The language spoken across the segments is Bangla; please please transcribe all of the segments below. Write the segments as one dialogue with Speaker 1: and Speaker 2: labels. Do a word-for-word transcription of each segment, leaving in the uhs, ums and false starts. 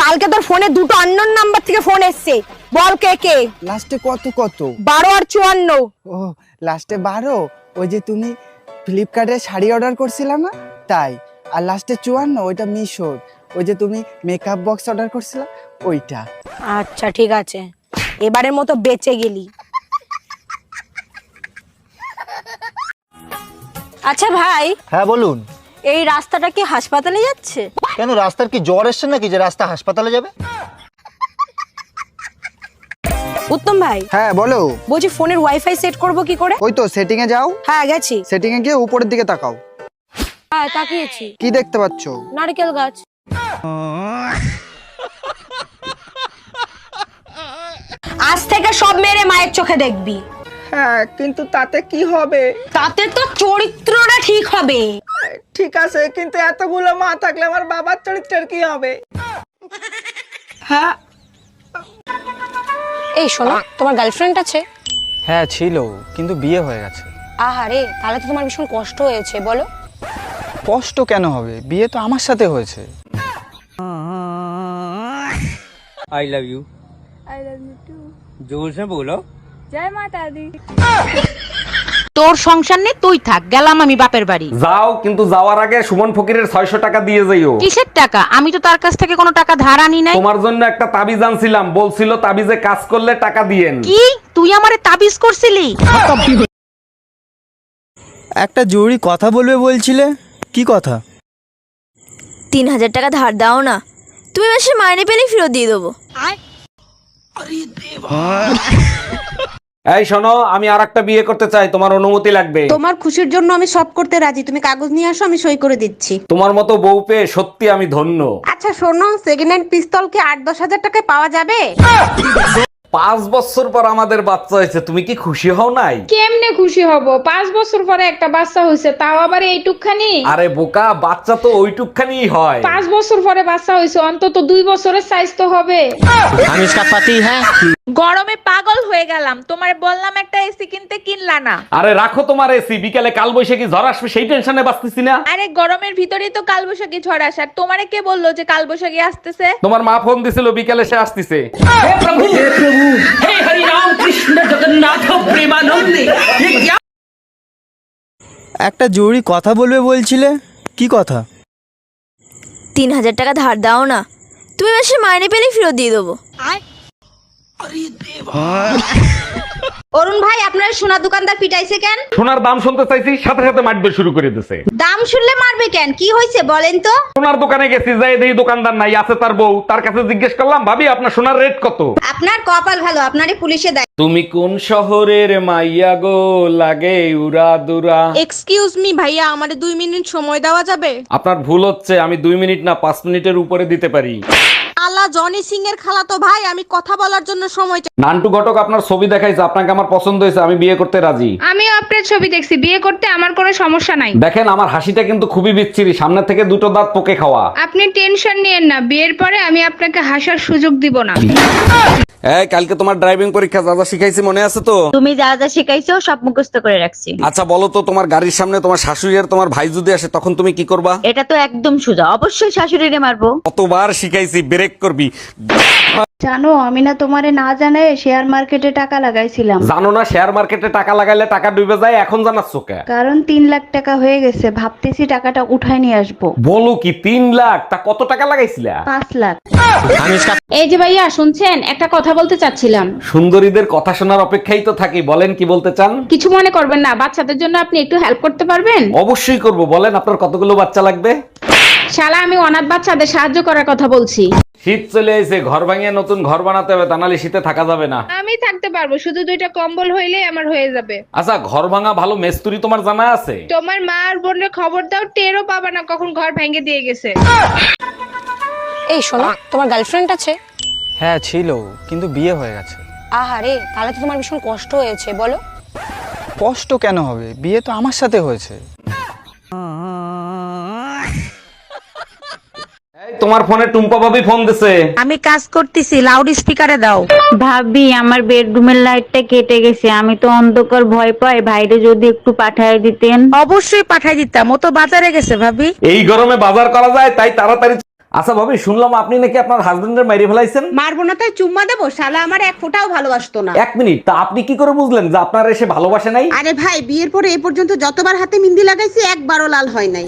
Speaker 1: কালকে তোর ফোনে দুটো আননোন নাম্বার থেকে ফোন এসছে, বল কে কে?
Speaker 2: লাস্টে কত কত?
Speaker 1: বারো আর চুয়ান্ন।
Speaker 2: ও লাস্টে বারো, ওই যে তুমি ফ্লিপকার্টে শাড়ি অর্ডার করছিলা না তাই। আর লাস্টে চুয়ান্ন ওইটা মিশোর, ওই যে তুমি মেকআপ বক্স অর্ডার করছিলা ওইটা।
Speaker 1: আচ্ছা ঠিক আছে, এবারের মতো বেঁচে গেলি। আচ্ছা ভাই,
Speaker 3: হ্যাঁ বলুন।
Speaker 1: এই রাস্তাটা কি হাসপাতালে যাচ্ছে?
Speaker 3: কেন, রাস্তার কি জ্বর এসছে নাকি যে রাস্তা হাসপাতালে যাবে?
Speaker 1: উত্তম ভাই,
Speaker 2: হ্যাঁ বলো।
Speaker 1: বলছি ফোনের ওয়াইফাই সেট করব কি করে?
Speaker 2: ওই তো সেটিং এ যাও।
Speaker 1: হ্যাঁ গেছি।
Speaker 2: সেটিং এ গিয়ে উপরের দিকে তাকাও।
Speaker 1: হ্যাঁ তাকিয়েছি।
Speaker 2: কি দেখতে পাচ্ছ?
Speaker 1: নারকেল গাছ। আজ থেকে সব মেরে মায়ের চোখে দেখবি।
Speaker 2: হ্যাঁ কিন্তু তাতে কি হবে?
Speaker 1: তাতে তো চরিত্রটা ঠিক হবে।
Speaker 2: ঠিক আছে, কিন্তু এতগুলো মা থাকলে আমার বাবার চরিত্রের কি হবে? হ্যাঁ
Speaker 1: এই শোনো, তোমার গার্লফ্রেন্ড আছে?
Speaker 2: হ্যাঁ ছিল, কিন্তু বিয়ে হয়ে গেছে।
Speaker 1: আহারে, তাহলে তো তোমার ভীষণ কষ্ট হয়েছে, বলো।
Speaker 2: কষ্ট কেন হবে, বিয়ে তো আমার সাথে হয়েছে।
Speaker 4: I love you.
Speaker 5: I love you too.
Speaker 4: जोर से बोलो।
Speaker 5: जय माता दी।
Speaker 6: তোর সংসার নেই, তুই থাক, গেলাম আমি বাপের বাড়ি।
Speaker 7: যাও, কিন্তু যাওয়ার আগে সুমন ফকিরের ছয়শো টাকা দিয়ে যাইও।
Speaker 6: কিসের টাকা? আমি তো তার কাছ থেকে কোনো টাকা ধার আনি নাই।
Speaker 7: তোমার জন্য একটা তাবিজ আনছিলাম, বলছিল তাবিজে কাজ করলে টাকা দিয়েন।
Speaker 6: কি তুই আমারে তাবিজ করছিলি?
Speaker 3: একটা জরুরি কথা বলবে বলছিলে, কি কথা?
Speaker 5: तीन हजार টাকা ধার দাও না, তুমি মাসে মাইনে পেলে ফেরত দিয়ে দেবো।
Speaker 7: এই শোনো, আমি আর একটা বিয়ে করতে চাই, তোমার অনুমতি লাগবে।
Speaker 6: তোমার খুশির জন্য আমি সব করতে রাজি, তুমি কাগজ নিয়ে আসো, আমি সই করে দিচ্ছি।
Speaker 7: তোমার মতো বউ পেয়ে সত্যি আমি ধন্য।
Speaker 6: আচ্ছা শোনো, সেকেন্ড হ্যান্ড পিস্তল কি আট দশ হাজার টাকায় পাওয়া যাবে?
Speaker 7: পাঁচ বছর পর আমাদের বাচ্চা হয়েছে, তুমি কি খুশি হও নাই?
Speaker 8: কেমনে খুশি হব? পাঁচ বছর পরে একটা বাচ্চা হয়েছে, তাও আবার এইটুকখানি।
Speaker 7: আরে বোকা, বাচ্চা তো ওইটুকখানি হয়।
Speaker 8: পাঁচ বছর পরে বাচ্চা হয়েছে, অন্তত দুই বছরের সাইজ তো হবে।
Speaker 3: हम इसका पति है।
Speaker 9: গরমে পাগল হয়ে গেলাম, তোমার বললাম একটা এসি কিনতে, কিনলা না।
Speaker 7: আরে রাখো তোমার এসি, বিকালে কাল বৈশাখী ঝড় আসবে সেই টেনশনে বাঁচতেছি না।
Speaker 9: আরে গরমের ভিতরেই তো কালবৈশাখী ঝড় আসার, তোমারে কে বললো যে কালবৈশাখী আসতেছে?
Speaker 7: তোমার মা ফোন দিছিল, বিকালে সে আসতেছে।
Speaker 3: একটা জরুরি কথা বলবে বলছিলে, কি কথা?
Speaker 5: तीन हजार টাকা ধার দাও না, তুমি মাসে মাইনে পেলে ফেরত দিয়ে দেবো।
Speaker 6: অরুণ ভাই, আপনার সোনা দোকানদার পিটাইছে কেন?
Speaker 7: সোনার দাম শুনতে চাইছি, সাথে সাথে মারবে শুরু করে দিছে।
Speaker 6: দাম শুনলে মারবে কেন? কি হয়েছে বলেন তো?
Speaker 7: সোনার দোকানে গেছি, যাই দেখি দোকানদার নাই, আছে তার বউ। তার কাছে জিজ্ঞেস করলাম, ভাবি আপনার সোনার রেট কত?
Speaker 6: আপনার কপাল ভালো, আপনারে পুলিশে দেয়।
Speaker 7: তুমি কোন শহরের মাইয়া গো, লাগে উড়া দুরা।
Speaker 9: এক্সকিউজ মি ভাইয়া, আমারে দুই মিনিট সময় দেওয়া যাবে?
Speaker 7: আপনার ভুল হচ্ছে, আমি দুই মিনিট না পাঁচ মিনিটের উপরে দিতে পারি।
Speaker 9: আল্লাহ, জনি সিং এর খালা তো ভাই, আমি কথা বলার জন্য সময় চাই।
Speaker 7: নান্টু ঘটক আপনার ছবি দেখাইছে, আপনাকে আমার পছন্দ হয়েছে, আমি বিয়ে করতে রাজি।
Speaker 8: আমিও আপনার ছবি দেখছি, বিয়ে করতে আমার কোনো সমস্যা নাই।
Speaker 7: দেখেন আমার হাসিটা কিন্তু খুবই বিচ্ছিরি, সামনে থেকে দুটো দাঁত পোকে খাওয়া।
Speaker 8: আপনি টেনশন নিয়েন না, বিয়ের পরে আমি আপনাকে হাসার সুযোগ দিব না।
Speaker 7: এই কালকে তোমার ড্রাইভিং পরীক্ষা, যা যা শিখাইছি মনে আছে তো?
Speaker 6: তুমি যা যা শিখাইছো সব মুখস্থ করে রাখছি।
Speaker 7: আচ্ছা বলো তো, তোমার গাড়ির সামনে তোমার শাশুড়ি আর তোমার ভাই যদি আসে, তখন তুমি কি করবা?
Speaker 6: এটা তো একদম সোজা, অবশ্যই শাশুড়িরে মারবো।
Speaker 7: কতবার শিখাইছি, ব্রেক করবি।
Speaker 8: জানো, আমি না তোমারে না জানাই শেয়ার মার্কেটে টাকা লাগাইছিলাম।
Speaker 7: জানো না শেয়ার মার্কেটে টাকা লাগাইলে টাকা ডুবে যায়, এখন জানাচ্ছ কে?
Speaker 8: কারণ তিন লাখ টাকা হয়ে গেছে, ভাবতেছি টাকাটা উঠাই নিয়ে আসবো।
Speaker 7: বলো কি, তিন লাখ? তা কত টাকা লাগাইছিলা?
Speaker 8: পাঁচ লাখ।
Speaker 3: हम इसका
Speaker 8: এই যে ভাইয়া শুনছেন, একটা কথা বলতে চাচ্ছিলাম।
Speaker 7: সুন্দরীদের কথা শোনার অপেক্ষাই তো থাকি, বলেন কি বলতে চান?
Speaker 8: কিছু মনে করবেন না, বাচ্চাদের জন্য আপনি একটু হেল্প করতে পারবেন?
Speaker 7: অবশ্যই করব, বলেন আপনার কতগুলো বাচ্চা লাগবে?
Speaker 8: শালা, আমি অনাথ বাচ্চাদের সাহায্য করার কথা বলছি।
Speaker 7: শীত চলে এসে, ঘর ভাঙিয়ে নতুন ঘর বানাতে হবে, তা নাহলে শীতে থাকা যাবে না।
Speaker 8: আমি থাকতে পারবো, শুধু দুইটা কম্বল হইলেই আমার হয়ে যাবে।
Speaker 7: আচ্ছা, ঘর ভাঙা ভালো মেস্তুরি তোমার জানা আছে?
Speaker 8: তোমার মা আর বোনের খবর দাও, টেরও পাবা না কখন ঘর ভেঙে দিয়ে গেছে।
Speaker 1: এই শোনো, তোমার গার্লফ্রেন্ড আছে?
Speaker 2: হ্যাঁ ছিল, কিন্তু বিয়ে হয়ে গেছে।
Speaker 1: আহারে, তাহলে তো তোমার ভীষণ কষ্ট হয়েছে, বলো।
Speaker 2: কষ্ট কেন হবে, বিয়ে তো আমার সাথে হয়েছে।
Speaker 7: এই তোমার ফোনে টুম্পা ভাবি ফোন দিছে।
Speaker 6: আমি কাজ করতেছি, লাউড স্পিকারে দাও।
Speaker 10: ভাবি, আমার বেডরুমের লাইটটা কেটে গেছে, আমি তো অন্ধকার ভয় পাই, ভাইরে যদি একটু পাঠায় দিতেন।
Speaker 6: অবশ্যই পাঠাই দিতাম, ও তো বাজারে গেছে ভাবি।
Speaker 7: এই গরমে বাজার করা যায়, তাই তাড়াতাড়ি। আচ্ছা ভাবি, শুনলাম আপনি নাকি আপনার হাজবেন্ডের মেরে ফেলাইছেন।
Speaker 6: মারবো না তাই চুম্মা দেবো? শালা আমার এক ফোঁটাও ভালোবাসতো না।
Speaker 7: এক মিনিট, তা আপনি কি করে বুঝলেন যে আপনার এসে ভালোবাসে নাই?
Speaker 6: আরে ভাই, বিয়ের পরে এই পর্যন্ত যতবার হাতে মেহেন্দি লাগাইছি একবারও লাল হয় নাই।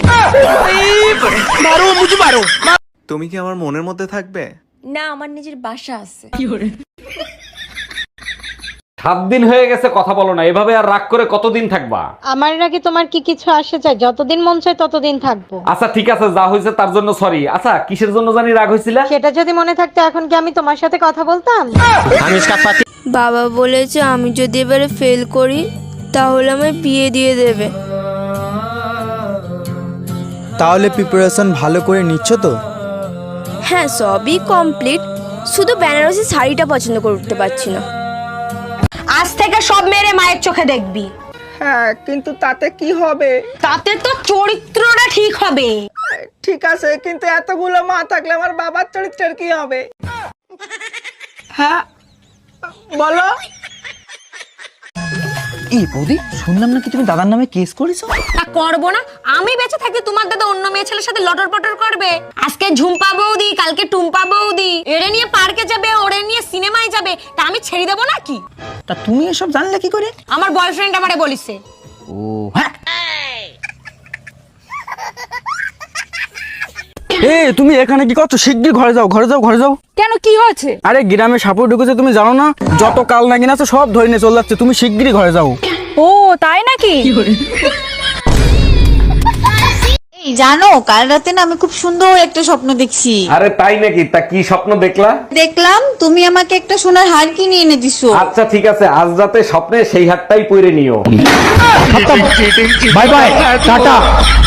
Speaker 3: তুমি কি আমার মনের মধ্যে থাকবে?
Speaker 5: না, আমার নিজের বাসা আছে।
Speaker 7: সাত দিন হয়ে গেছে কথা বলো না, এভাবে আর রাগ করে কতদিন থাকবা?
Speaker 10: আমার নাকি তোমার কি কিছু আসে চাই? যতদিন মন চায় ততদিন থাকবো।
Speaker 7: আচ্ছা ঠিক আছে, যা হয়েছে তার জন্য সরি। আচ্ছা কিসের জন্য জানি রাগ হয়েছিল?
Speaker 10: সেটা যদি মনে থাকতো এখন কি আমি তোমার সাথে কথা বলতাম?
Speaker 5: বাবা বলেছে আমি যদি এবারে ফেল করি তাহলে আমায় বিয়ে দিয়ে দেবে।
Speaker 3: তাহলে প্রিপারেশন ভালো করে নিচ্ছ তো?
Speaker 5: হ্যাঁ, সবই কমপ্লিট, শুধু বেনারসি শাড়িটা পছন্দ করতে পারছি না।
Speaker 1: আজ থেকে সব মেরে মায়ের চোখে দেখবি।
Speaker 2: হ্যাঁ, কিন্তু তাতে কি হবে?
Speaker 1: তাতে তো চরিত্রটা ঠিক হবে।
Speaker 2: ঠিক আছে, কিন্তু এতগুলো মা থাকলে আমার বাবার চরিত্রের কি হবে? হ্যাঁ বলো।
Speaker 3: এই বৌদি, শুনলাম নাকি তুমি দাদার নামে কেস করেছো?
Speaker 1: তা করবো না? আমি বেঁচে থাকতে তোমার দাদা অন্য মেয়ে ছেলের সাথে লটর পটর করবে? আজকে ঝুম্পা বৌদি, কালকে টুম্পা বৌদি এরে নিয়ে পার্কে যাবে, ওরে নিয়ে সিনেমায় যাবে, তা আমি ছেড়ে দেবো নাকি?
Speaker 3: তা তুমি এসব জানলে কি করে?
Speaker 1: আমার বয়ফ্রেন্ড আমারে বলিছে।
Speaker 3: ও হ্যাঁ। এ তুমি এখানে কি করছো? শিগগির ঘরে যাও, ঘরে যাও, ঘরে যাও।
Speaker 1: কেন, কি হয়েছে?
Speaker 3: আরে গ্রামে সাপোর্ট ঢুকেছে, তুমি জানো না? যত কাল নাগিন আছে সব ধরে নিয়ে চলে যাচ্ছে, তুমি শিগগিরই ঘরে যাও।
Speaker 1: ও তাই নাকি?
Speaker 5: এই জানো, কাল রাতে না আমি খুব সুন্দর একটা স্বপ্ন দেখছি।
Speaker 7: আরে তাই নাকি? তা কি স্বপ্ন দেখলা?
Speaker 5: দেখলাম তুমি আমাকে একটা সোনার হার কিনে এনে দিছো।
Speaker 7: আচ্ছা ঠিক আছে, আজ রাতে স্বপ্নে সেই হাতটাই পরে নিও।
Speaker 3: Bye bye, tata.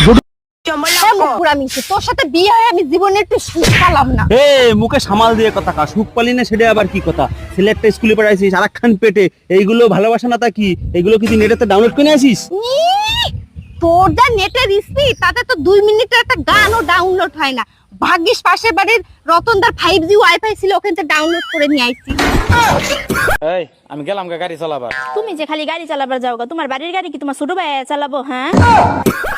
Speaker 1: তোর সাথে বিয়ে হয়ে আমি জীবনে একটু সুখ পেলাম না।
Speaker 3: এ মুখে সামাল দিয়ে কথা কা, সুখ পালি না সেটা আবার কি কথা? ছেলে একটা স্কুলে পড়াইছিস, আর একখান পেটে, এইগুলো ভালোবাসা না? তা কি এইগুলো কি তুই নেটেতে ডাউনলোড করে আসিস?
Speaker 1: তোর যা নেটের স্পিড, তাতে তো দুই মিনিটের একটা গানও ডাউনলোড হয় না। ভাগ্যিস পাশের বাড়ির রতনদার ফাইভ জি ওয়াইফাই ছিল, ওখান থেকে ডাউনলোড করে নিয়ে আইছি।
Speaker 3: এই আমি গেলাম গাড়ি চালাবার।
Speaker 5: তুমি যে খালি গাড়ি চালাবার যাও গা, তোমার বাড়ির গাড়ি কি তোমার ছোট ভাই চালাবো? হ্যাঁ।